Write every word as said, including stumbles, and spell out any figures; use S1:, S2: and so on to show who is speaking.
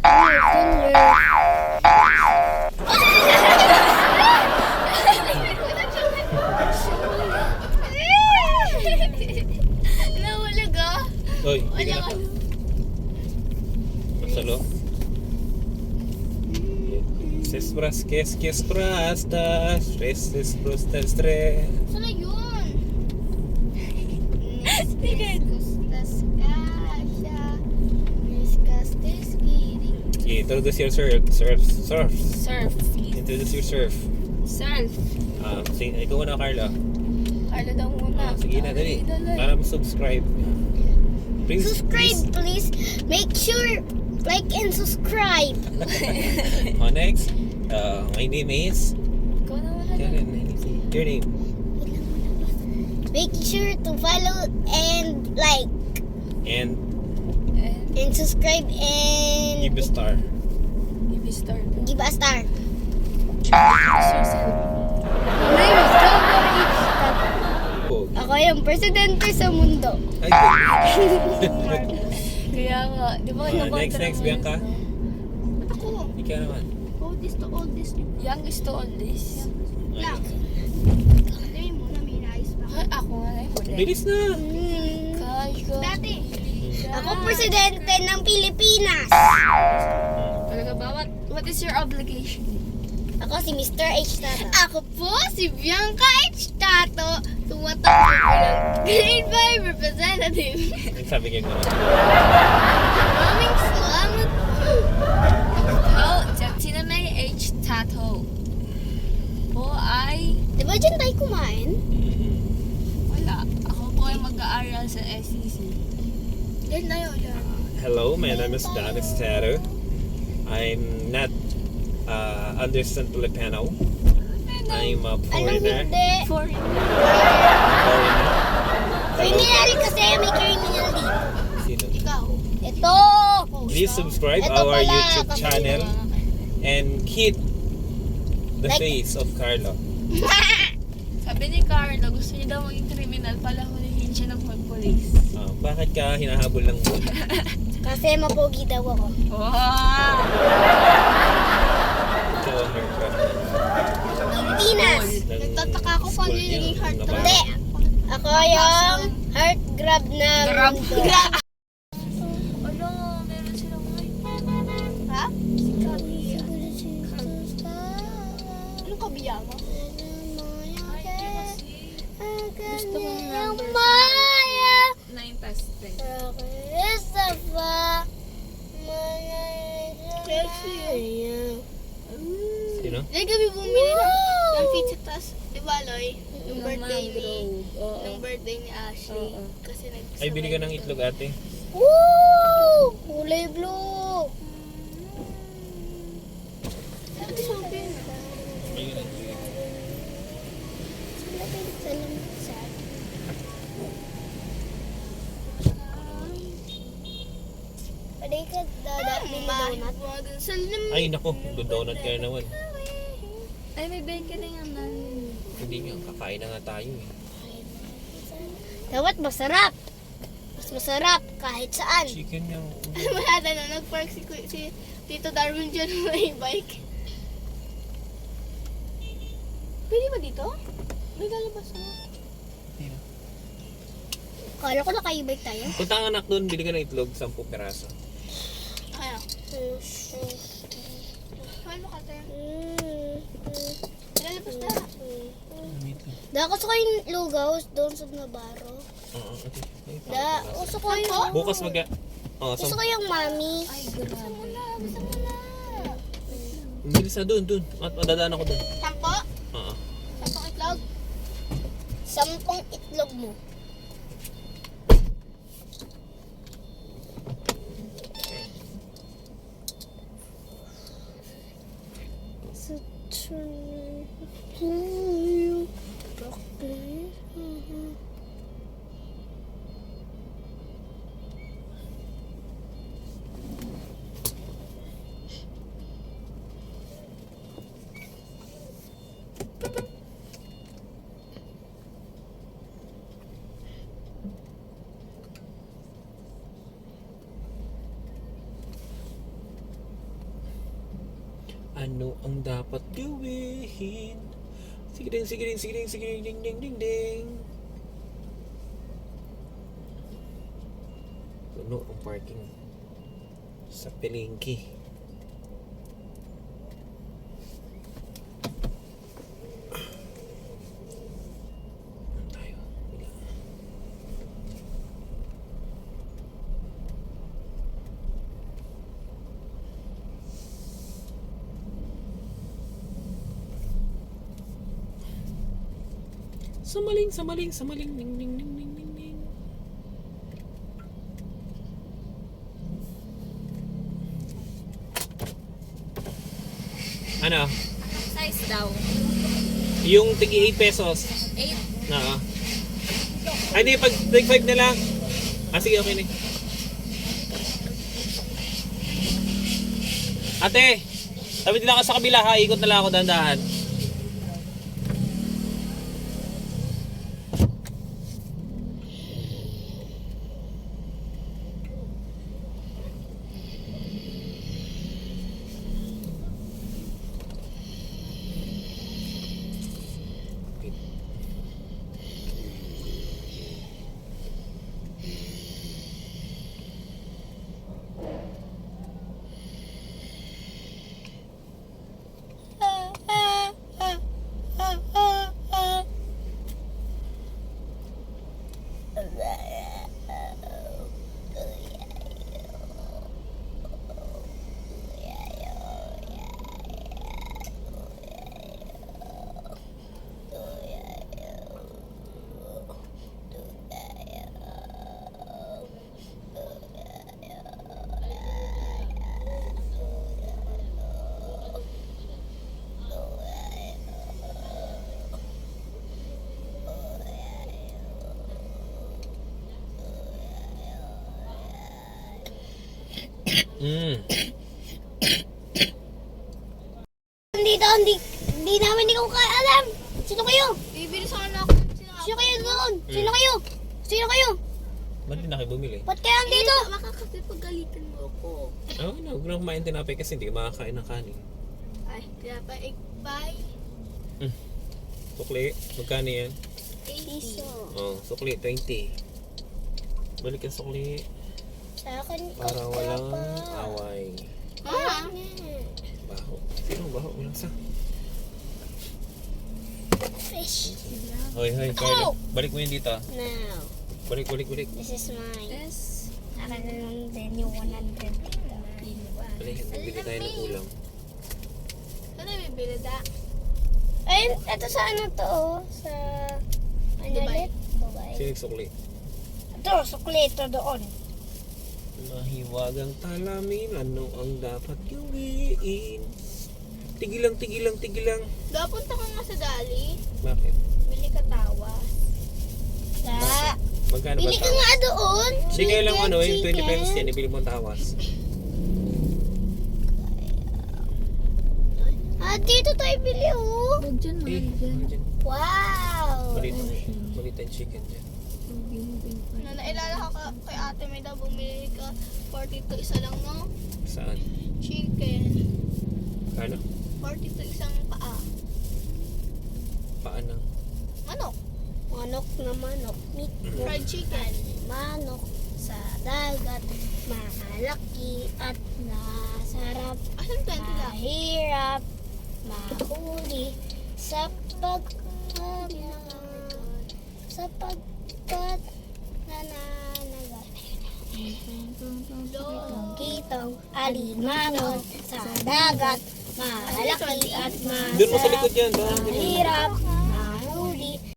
S1: Nahulag ah.
S2: Hoy, hindi ka na. Masalo. Ses pras, kes, kes prasta, stress, stress, prasta, stress.
S1: Sana yun? Niskas kasha, niskas teskiri.
S2: Okay, introduce your surf, surf, surf.
S1: Surf.
S2: Introduce your surf.
S1: Surf.
S2: Um, sing, ikaw na, Carla.
S1: Carla daw muna.
S2: Ah, sige na, dali. Para mag-subscribe. Please,
S3: Subscribe, please. Make sure like and subscribe.
S2: Oh, next. Uh, my name is
S1: Ikaw na muna.
S2: Karen. Your name?
S3: Make sure to follow and like
S2: And
S3: and subscribe and
S2: give a star.
S1: Give me start.
S3: give a star.
S2: Oh.
S3: Ako yung presidente sa mundo.
S2: Ay, good.
S1: Kaya nga, di ba
S2: Ah,
S1: nakontra
S2: next, next,
S1: mo
S2: Bianca.
S1: yun?
S3: Ako.
S2: Ikaw naman.
S3: Oldest to oldest.
S1: Young is to oldest.
S3: Lang. Sabi mo na may nais pa.
S1: Ay, ako nga na yun.
S2: Bilis na.
S3: Hmm.
S1: Kayo.
S3: Dati. Ako presidente ng Pilipinas.
S1: Talaga ba? What, what is your obligation?
S3: Ako si Mister H. Tato.
S1: Ako po si Bianca H. Tato, tumatakbo ko ng Grade five representative.
S2: Sabi kayo gano'n.
S1: Maraming salamat po. Ako, Jacksina May H. Tato. Po ay...
S3: Di ba dyan tayo kumain?
S1: Wala. Ako po ay mag-aaral sa S E C. Yan na yun.
S2: Hello, my name is Don Estero. I'm not uh, understand Filipino. I'm a
S3: Anong
S2: foreigner.
S3: hindi?
S1: Foreign.
S2: Foreigner.
S3: Criminal kasi may criminal dito.
S2: Sino?
S3: Ikaw. Ito.
S2: Please subscribe
S3: Ito
S2: our
S3: pala,
S2: YouTube
S3: kasi-
S2: channel and hit the
S3: Like-
S2: face of Carlo.
S1: Sabi ni Carlo, gusto niya daw maging criminal pala hulihin siya ng police.
S2: Uh, bakit ka hinahabol ng
S3: Kasi mapogi daw ako.
S1: Wow!
S2: ikaw ang aircraft
S3: Pinas.
S2: ng
S1: Nagtataka ako
S2: school
S1: paano
S2: niyo,
S1: yung naging heart
S2: ng
S1: trap.
S3: Hindi. Ako yung heart grab na
S1: Grab.
S3: mundo.
S1: Ano, meron silang mic.
S3: Ha?
S1: Anong kabiyama? Ay, di kasi. Gusto kong
S3: Yung
S1: number.
S3: Maya.
S1: nine plus ten.
S3: Christopher.
S2: Sino?
S1: Dahil kami bumili ng, ng pizza tas, di ba, Loy? Yung
S4: Ng
S1: birthday ni,
S4: mangrove, oo.
S1: yung birthday ni Ashley.
S4: Oo.
S1: Kasi nag
S2: Ay, bili ka ng itlog ate.
S3: Woo! Kulay blue.
S2: Ayun ang
S3: Pwede ka dadapin na donut?
S1: Mga dun sa lim.
S2: Ay, nako, donut ka na naman.
S1: Ay, may bacon na yan.
S2: Hindi nga, kakain na nga tayo eh.
S3: Dapat masarap. Mas masarap kahit saan.
S2: Chicken yung...
S1: Wala na na, nag-park si, si Tito Darwin dyan may bike. Pwede ba dito? May lalabas mo.
S3: Kala ko naka-e-bike tayo.
S2: Punta ang anak doon, bili ka ng itlog, sampung peraso.
S1: Kaya. Paano ka tayo? Lalabas na.
S3: Da, gusto ko yung lugaw doon sa Navarro.
S2: Oo, ate. Ay,
S3: Da,
S2: peraso.
S3: gusto ko yung...
S2: Bukas mag... Oh,
S3: Gusto
S2: sam...
S3: ko yung mami.
S1: Ay, grabe. Basta mo na, basta mo na.
S2: Bilis na doon, doon. At madadaan ako doon.
S1: Sampo?
S2: Oo.
S1: Sampong itlog?
S3: Sampung itlog mo. Sa
S2: Ano ang dapat gawin? Sige ding, sige ding, sige ding, sige ding, ding, ding, ding, ding. Puno ang parking sa Pelengke. Ano tayo? Wala. Samaling, samaling, samaling, ning, ning, ning, ning, ning, ning. Ano?
S1: Anong size daw?
S2: Yung tigi eight pesos.
S1: eight.
S2: Oo. Ay, di, pag take five na lang. Ah, sige, okay na. Ate, tabi din ako sa kabila ha. Ikot na lang ako dahan-dahan. Mm.
S3: Dito, hindi, hindi namin, hindi ko kaya alam. Sino kayo?
S1: Bibili sana ako.
S3: Sino kayo doon? Sino kayo? Sino kayo?
S2: Ba't din na kayo bumili?
S3: Ba't kayo andito?
S1: Makakapipagalitan mo ako.
S2: Oo, oh, no, huwag na kumain tinapay kasi hindi ka makakain ng kanin.
S1: Ay, kaya pa ikbay.
S2: Sukli, magkano yan?
S1: eighty.
S2: Oh, sukli, twenty. Balik ang sukli
S3: Sa akin,
S2: para walang away.
S1: Ha?
S2: Baho. Sino ang baho? Walang sa.
S3: Fish.
S2: Hoy, hoy, Carla. Balik mo yun dito.
S3: Now,
S2: Balik, balik, balik.
S3: this is mine.
S1: Yes.
S3: Akin na lang din yung one hundred.
S2: Balik, bibili tayo ng ulam.
S1: Ano bibili da?
S3: Ayun, ito sa ano to, oh, sa... Ano
S1: Dubai.
S3: ulit? Dubai.
S2: Sino sukli?
S3: Ito, suklito doon.
S2: Mahiwagang talamin, ano ang dapat gawin? Tigilang, tigilang, tigilang.
S1: Dapunta ka nga sa Dali.
S2: Bakit?
S1: Bili ka tawas.
S3: Sa...
S2: Magkano ba
S3: Bili ka
S2: tawas?
S3: nga doon.
S2: Sige lang
S3: Chicken,
S2: ano, yung twenty
S3: chicken.
S2: pesos yan, ibili mo ang tawas.
S3: Ah, dito tayo bili, oh.
S1: Huwag dyan,
S2: Eh, ano dyan?
S3: Wow.
S2: Balita, balita yung chicken dyan.
S1: Na nailala ka ka- kay ate may daw bumili ka forty-two isa lang no?
S2: Saan?
S1: Chicken.
S2: Kano?
S1: forty-two isang paa.
S2: Paan ng?
S1: Manok.
S3: Manok na manok. Meat
S1: Fried chicken.
S3: manok sa dagat. Malaki at masarap.
S1: Asan twenty lang?
S3: Mahirap mahuli sa pagkaman. Sa pagkat nananagal. Kitong alimangon sa dagat. Malaki at
S2: Doon mo sa
S3: masarap.
S2: likod yan. Doon.
S3: Mahirap